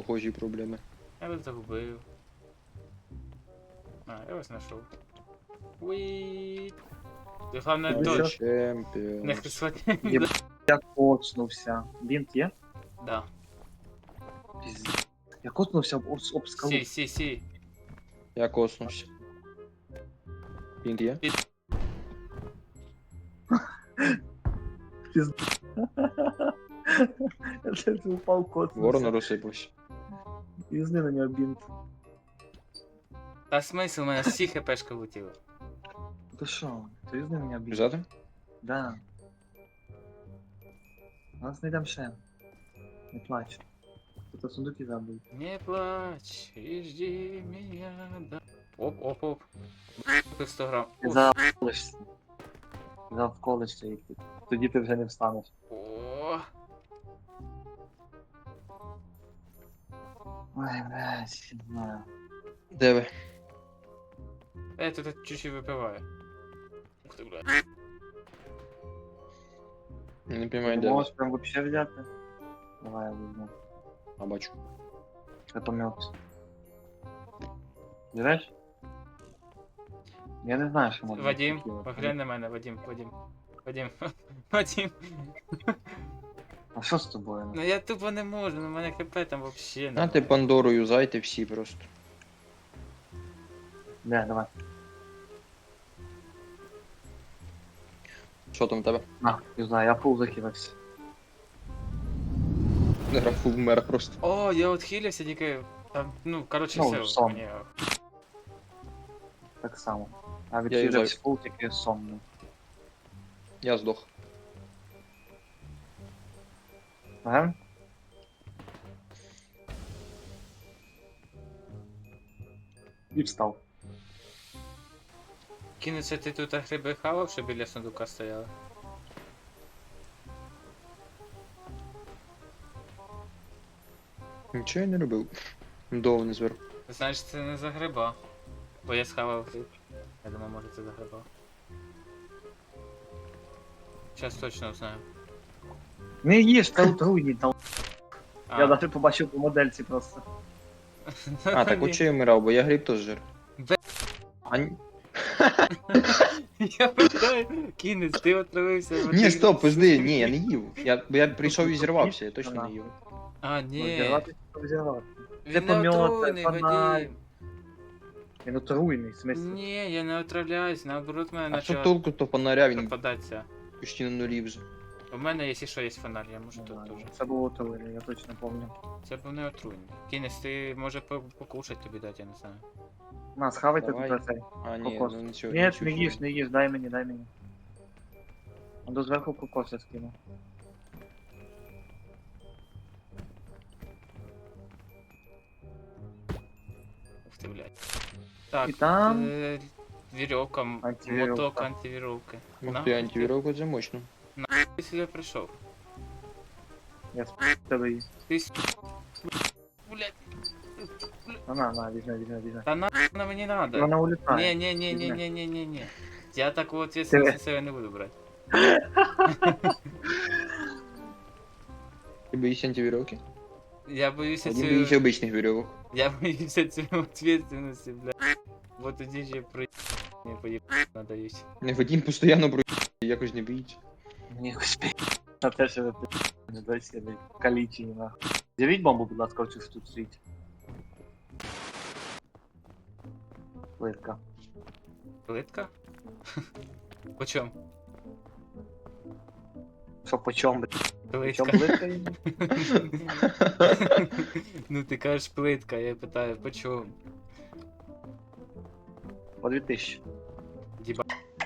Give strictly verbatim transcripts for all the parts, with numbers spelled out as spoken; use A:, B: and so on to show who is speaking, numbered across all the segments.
A: похожі проблеми.
B: Я вас загубив. А, я вас знайшов. Уі. Ти головне
C: Ну,
B: додж.
C: що?
B: Не
A: Чемпіон.
B: схвати.
C: Єб... Я коцнувся. Бінт є?
B: Да.
C: Пізд... Я коцнувся об, об, об скалу.
B: Сі, сі, сі.
A: Я коснувся. Він є?
C: Пізд... Я це упав коцнувся.
A: Ворон розсипався.
C: Пізни на нього бінт.
B: Та смисл, у мене всі хпшки влетіли.
C: Ти що? Ти візьми мене бінт.
A: Взяти?
C: Да. Нас знайдем ще. Не плач. Тут сундуки забудь.
B: Не плачь и жди меня, да. Оп, оп, оп. Купив сто грам.
C: Ти
B: Уф.
C: завколишся. Завколишся, як ти. Тоді ти вже не встанеш.
B: О,
C: Ой, блядь, не знаю.
A: Де ви?
B: я тут чуть-чуть випиваю. Ух ти, бля.
A: Не поймаю,
C: Ти
A: де ви.
C: можеш прям вообще взяти? Давай я візьму.
A: А бачу.
C: Это мед. Береш? Я не знаю, що можна.
B: Вадим,
C: такі.
B: поглянь на мене, Вадим, Вадим. Вадим, Вадим.
C: А що з тобою?
B: Ну я тупо не можу, ну в мене хп там вообще
A: На
B: не.
A: ти Пандору юзайте всі просто.
C: Не, давай.
A: Що там в тебе?
C: На, не знаю, я пул закинувся.
A: Не графу вмер просто.
B: О, я отхилився тільки. Там, ну, коротше,
C: Ну,
B: все.
C: сон.
B: Мені...
C: Так само. А
A: Я
C: відхилився пул тільки сонний.
A: Я здох.
C: Ага? І встав.
B: Кинеться ти тут гриби хавав, що біля сундука стояли?
A: Нічого я не робив. Довго не зверху.
B: Значить, це не за гриба. Бо я схавав гриб. Я думаю, може це за гриба. Зараз точно знаю.
C: Не їж, та отруйні, та
B: А,
C: я навіть побачив по модельці просто.
A: А, так от що я вмирав, бо я гриб теж жир.
B: Бе-
A: А, ні-
B: Я питаю, кінець, ти отравився. бо
A: ні,
B: ти-
A: стоп, пизди, ні, я не їв. Я, бо я прийшов і зірвався, я точно не їв.
B: А, ні.
C: Розірвати, розірвати.
B: Він
C: Це
B: не
C: помьот,
B: отруйний,
C: це фонарь.
B: Вадим.
C: Він отруйний, в смислі.
B: Ні, я не отравляюсь, наоборот, мене
A: А що
B: почав
A: толку то фонаря, він
B: пропадатися.
A: почти на нулі вже.
B: У мене, якщо що, є фонарь, я можу
C: Не
B: тут
C: знаю,
B: теж.
C: Це було отруйний, я точно пам'ятаю.
B: Це був не отруйний. Кінець, ти може по- покушать тобі дати, я не знаю.
C: На, схавайте
A: Давай.
C: тут цей.
A: А, ні,
C: Кокос.
A: ну нічого.
C: Ні,
A: нічого
C: не їж,
A: собі.
C: не їж, дай мені, дай мені. А до зверху кокос я скину.
B: Ух ти, блядь. Так,
C: І там-
B: е, вірьовка, м-
C: Антивірьовка.
B: моток антивірьовки.
A: Ух
B: На,
A: ти, антивіровка це мощно.
B: Ти сюди прийшов.
C: Я з тебе її.
B: Ти с... Блядь,
C: На, на, на, візьми, візьми, візьми.
B: та на на мені надо.
C: Вона улітає.
B: Не, не, не, не, не, не, не, не. Я такого
C: Ти-
B: ответственности на себе не буду брать.
A: Ти боїшся антивіровки?
B: Я боюся
A: Один боїться
B: цю...
A: обичних вірьовок.
B: Я боюся цю ответственности, бля. Вот тоді же про... Не поїб... надають.
A: Не Вадим постійно про якось не боїться.
C: Мені якось пі... На те, що ви пі... не досі не калічені, нахуй. З'явіть бомбу, будь ласка, оцю що тут стоїть. Плитка.
B: Плитка? По чому?
C: Що по чому, блядь? По чому
B: Плитка.
C: плитка її?
B: Ну ти кажеш плитка, я питаю, по чому?
C: По дві тисячі.
B: Діба...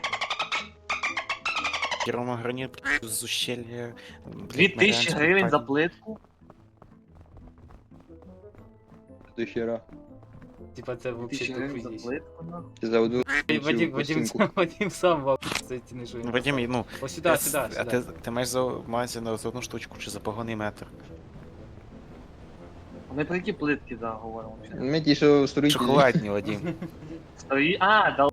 D: Рома гранит з ущелья.
C: Дві тисячі гривень за плитку?
A: До хера.
B: Типа це
C: Дві тисячі
B: вообще
C: гривень за
B: тупо їсть.
C: плитку, нахуй?
A: Ти за одну
B: Вадим, Вадим,
A: пластинку.
B: сам- Вадим сам вам ці не жує.
D: Вадим, ну,
B: Ось сюди, сюди,
D: а ти,
B: сюди.
D: ти маєш за увазі на за одну штучку чи за погоний метр?
C: Ми про які плитки да, говоримо? взагалі?
A: Ми ті, що строїтелі.
D: Шоколадні, Вадим.
C: Стої... А, да.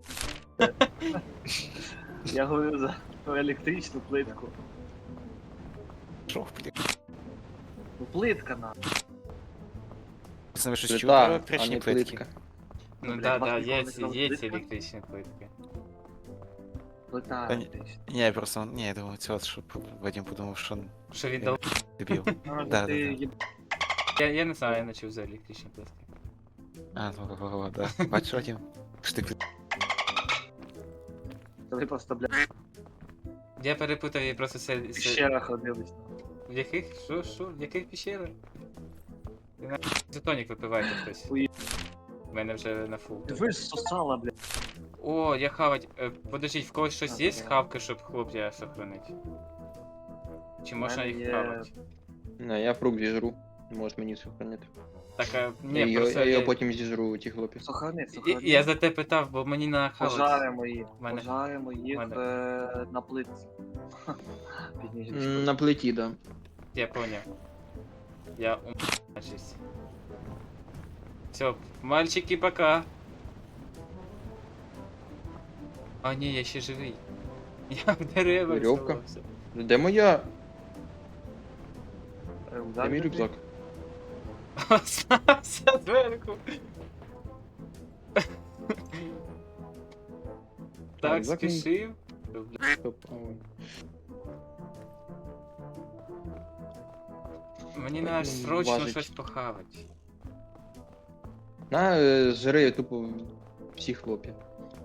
C: Я говорю за про електричну плитку.
D: Шо, блін.
C: Ну плитка на.
D: Пацани, ви щось чули про
A: Плита, а
D: електричні
A: не
D: плитки?
A: плитка.
B: Ну
C: блядь,
B: да,
C: вас
B: да,
C: ніколи
B: є,
C: не казали
B: є
C: плитка?
B: електричні плитки.
C: Плита
D: Та ні.
C: електрична.
D: Ні, я просто, ні, я думав, цього, щоб Вадим подумав, що
B: Що віддав?
D: дебіл.
C: А,
D: Да,
C: да,
D: да,
C: ти
D: да.
C: їб...
B: Я, я не знаю, я не чув за електричні плитки.
D: А, ну, во, во, да. Бачиш, Вадим? Що ти
C: Ви просто, блядь,
B: Я перепутав її просто це...
C: в
B: це...
C: пещерах ходились.
B: В яких? Що, що? В яких пещерах? Ти на... Затонік випивайте хтось.
C: Хуї.
B: У мене вже на фул.
C: Ви ж сосала, блядь.
B: О, я хавать. Е, подождіть, в когось щось
C: А,
B: є
C: давай.
B: хавки, щоб хлопця сохранити? Чи можна
C: мене
B: їх
C: є-
B: хавати?
A: Не, я фрукт зіжру. Можеш мені сохранити.
B: Так, а, ні,
A: Я, його-
B: просто
A: я
B: я,
A: його потім зіжру, ті хлопці.
C: Сохрани,
B: І-
C: сохрани.
B: і я за те питав, бо мені на хавать.
C: Пожаримо їх,
B: Мене-
C: пожаримо їх
B: мене-
C: е, на плитці. Пізніше.
A: М, На плиті, да.
B: Я понял. Я ум... Значись. Все, мальчики, пока. А, ні, я ще живий. Я в дерева
A: Верьовка?
B: вставався.
A: Де моя?
C: Е,
A: Де
C: удар
A: мій
C: тобі?
A: рюкзак?
B: Остався зверху. Так,
A: рюкзак мій.
B: спішив.
A: Стоп, ой.
B: Мені
A: Так,
B: треба
A: він
B: срочно
A: важить.
B: щось похавати.
A: На, е, жри тупо всі хлопці.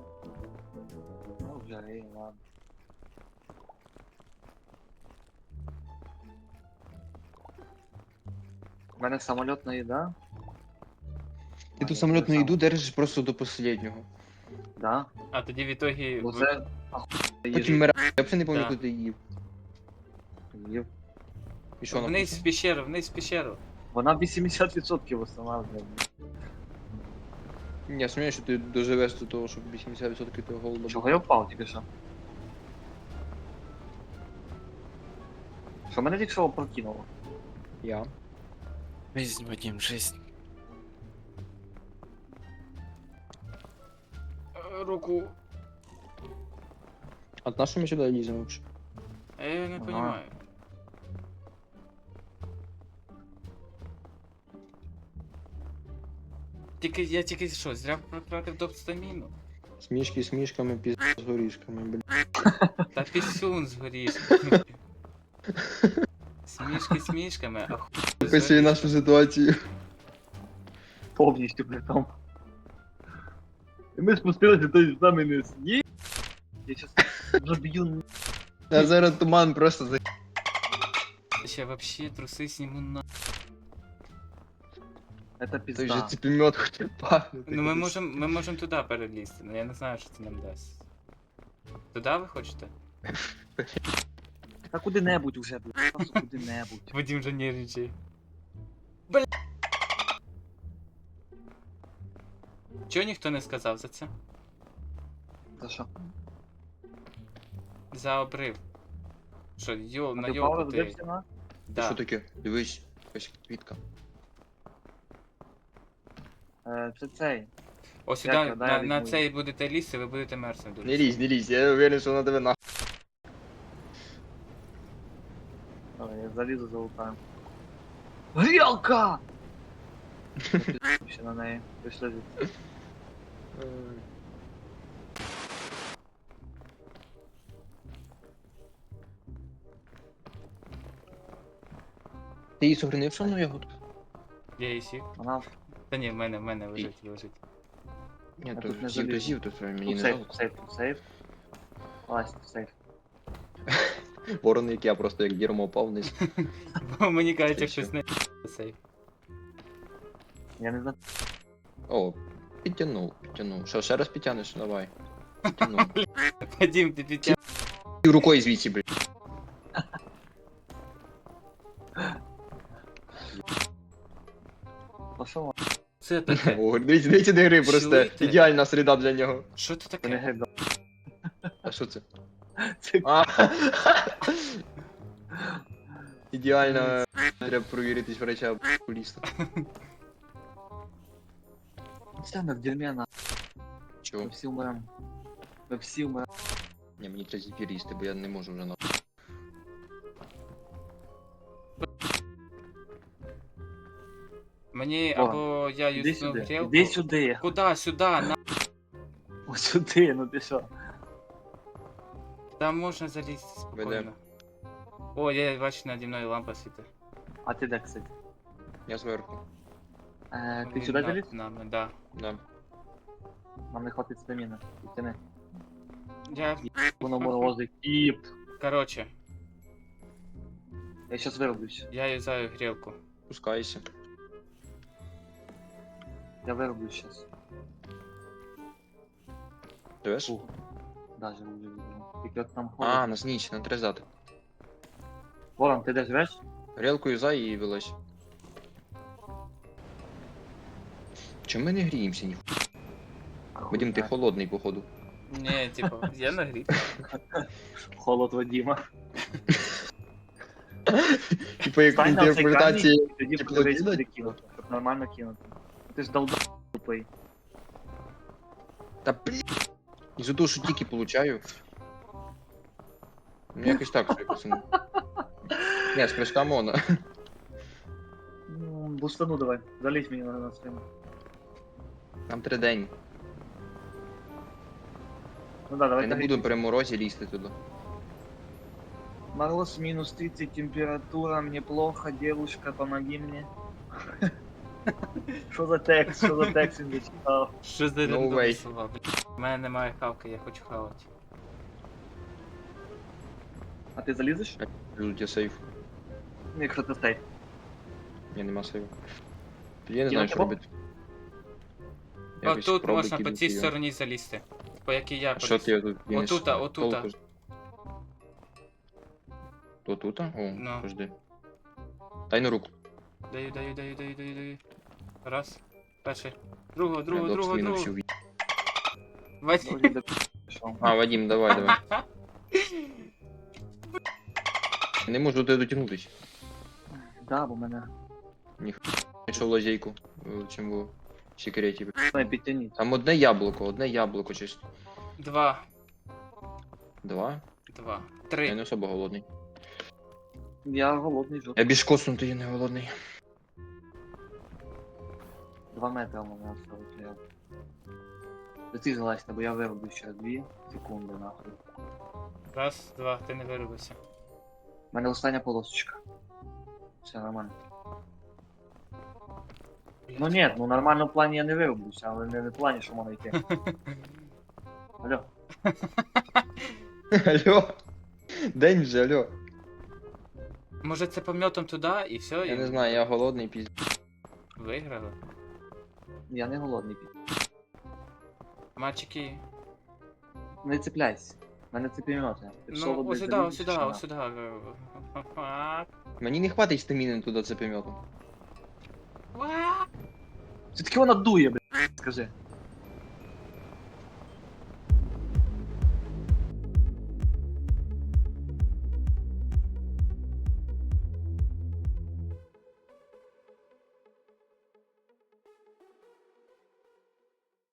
C: Ну, вже, ей, ладно. У мене самольотна їда.
A: Ти ту самолітну їду держиш просто до останнього.
C: Да.
B: А тоді в ітогі...
C: Бо
B: ви-
C: це ахуєнна
A: Потім
C: їжа.
A: мира. Я взагалі не пам'ятаю,
B: Да.
A: куди ти їв.
C: Їв.
A: І що
B: Вниз в
A: написано?
B: пещеру, вниз в пещеру.
C: Вона вісімдесят відсотків встановлює.
A: Ні, я сумніваюся, що ти доживеш до того, щоб вісімдесят відсотків того голоду.
C: Чого я впав тільки що? Що мене тільки що прокинуло?
A: Я.
D: Жизнь, Вадим, жизнь.
B: Е, Руку.
A: А на що ми сюди ліземо взагалі?
B: А я не
C: Ага.
B: понимаю. Тільки я тільки що, зря протратив доп-стаміну?
A: Смішки з мішками, пізд з горішками, блін.
B: Та пісюн з горішками. Смішки з мішками, а хуй з
A: Описує
B: горішками.
A: нашу ситуацію.
C: Повністю при тому. І ми спустилися, той з нами не з'їв. Я щас заб'ю.
A: А зараз туман просто за...
B: Ще вообще труси сніму на...
C: Це
A: Той же
C: пізда.
A: цепімет хоче пахнути.
B: Ну ми можемо, ми можемо туди перелізти, але я не знаю, що це нам дасть. Туди ви хочете?
C: Та куди-небудь уже, блядь. Просто куди-небудь.
B: Вадим вже нервничає. Бля. Чого ніхто не сказав за це?
C: За що?
B: За обрив. Що, йо, на
C: Ти
B: йолку
C: впав,
B: ти?
C: розбився на?
B: Да.
A: Що таке? Дивись, якась квітка.
C: Е, Це цей.
B: О, сюди,
C: Дякую, дай
B: на,
C: я
B: на
C: візьму.
B: цей будете лізти, ви будете мерзнути.
A: Не лізь, не лізь, я уверен, що вона тебе нахуй.
C: Давай, я залізу залутаю. Грілка! Я пізду ще на неї. Пішли звідси.
A: Ти її сохранив, що на ягодку?
B: Я її сік.
C: Вона
B: Та ні, в мене, в мене лежить, лежить.
A: Ні,
C: Я
A: то
C: тут не
A: всіх
C: залізу.
A: дозів, то мені
C: тут
A: не
C: сейф,
A: жалко.
C: тут сейф, тут сейф. Лазь, тут сейф.
A: Ворон, як я просто як дірмо впав вниз.
B: Бо мені кажуть,
A: Чи
B: як
A: що?
B: щось не сейф.
C: Я не знаю.
A: О, підтягнув, підтягнув. Що, ще раз підтягнеш? Давай. Підтягнув.
B: Вадим, ти підтяг.
A: І рукою звідси, блін.
C: Пошов,
B: Це таке.
A: О, дивіться, дивіться, де гри просто.
B: Чуєте?
A: Ідеальна середа для нього.
B: Що це
C: це не
B: таке?
C: грида.
A: А що це?
C: Це
A: А. Ідеально. Треба провіритись врача окуліста.
C: Це ми в дерьмі на. Ми
A: Чого?
C: всі вмремо. Ми всі вмремо.
A: Ні, мені треба зефір їсти, бо я не можу вже на.
B: Мені Мені
C: Ворон,
B: або я
C: Іди
B: юзну
C: сюди.
B: грілку.
C: Іди сюди.
B: Куда? Сюди, на.
C: Ось сюди, ну ти що?
B: Там можна залізти спокійно.
A: Веде.
B: О, я бачу, наді мною лампа світить.
C: А ти де, кстати?
A: Я зверху.
C: Е, ти
B: Він
C: сюди
B: над
C: заліз?
B: нами, да.
A: Да.
C: Нам не хватить стаміни. Підтяни.
B: Я,
C: Воно морозить. Кіп.
B: короче,
C: Я щас вироблюсь.
B: я юзаю грілку.
A: Спускайся.
C: Я вироблюсь щас.
A: Живеш?
C: Фу. Да, живу, живу, живу. Тільки от там
A: А,
C: холодно.
A: нас ніч, на три здати.
C: Ворон, ти де живеш?
A: Грілку юзай і вилазь. Чому ми не гріємося ні? Вадим, ти холодний, походу.
B: Ні, типу, я нагрів.
C: Холод Вадима.
A: Типа як
C: Стань на цей камінь, і тоді
A: тепло
C: подивись,
A: кидать?
C: куди кинути, щоб нормально кинути. Ти ж долб тупий.
A: Та блін. Із-за того, що тільки получаю. Ну якось так собі, пацани. Не, з прыжка мона.
C: Ну, бустану давай, залізь мені на, на спину.
A: Нам три день.
C: Ну да, давай
A: Я не
C: так.
A: буду при морозі лізти туди.
C: Мороз минус тридцать, температура, мне плохо, девушка, помоги мне. Що за текст, що за текст він зачитав?
B: Що за
A: No
B: рандомні
A: way.
B: слова, блядь. У мене немає хавки, я хочу хавати.
C: А ти залізеш?
A: Тут є сейф.
C: Ну, якщо ти стейт.
A: Ні, нема сейфу. Тоді я не
C: Кинути
A: знаю, що
C: бомб?
A: робити.
B: А
A: Якось
B: тут
A: пробуй
B: можна по
A: кидати
B: цій
A: його.
B: стороні залізти. По якій я
A: А що
B: поліз.
A: ти тут кинеш?
B: Отута, отута.
A: Толку ж. То тута? О,
B: Ну.
A: подожди. Дай на руку.
B: Даю, даю, даю, даю, даю, даю. Раз. Перший. Другого,
A: Я
B: другого,
A: доп
B: другого,
A: спину
B: другого.
A: всю ві-
B: Вадим.
C: Вроді би пішов.
A: А, Вадим, давай, давай. Я не можу до тебе дотягнутися.
C: Да, бо мене.
A: Знайшов лазейку, е, чим було в секреті.
C: Давай підтягніть.
A: Там одне яблуко, одне яблуко чисто.
B: Два.
A: Два?
B: Два.
A: Я
B: Три.
A: не особо голодний.
C: Я голодний жовт.
A: Я більш коснутий, я не голодний.
C: Два метри у мене осталось. Я... До ти залазь, бо я вироблю ще дві секунди, нахуй.
B: Раз, два, ти не виробився.
C: У мене остання полосочка. Все нормально. Ну ні, ну нормально в плані я не вироблюся, але не в плані, що можна йти. Алло.
A: Алло. День вже, алло.
B: Може це пом'ятом туди і все,
A: Я
B: і
A: не знаю, я голодний пізд.
B: виграли.
C: Я не голодний.
B: Мальчики.
C: Не цепляйся. В мене цепім'яти.
B: Ну, ось сюди, ось сюди, ось сюди.
A: Мені не хватить стаміни туди цепеметом.
C: Все-таки вона дує, блядь, скажи.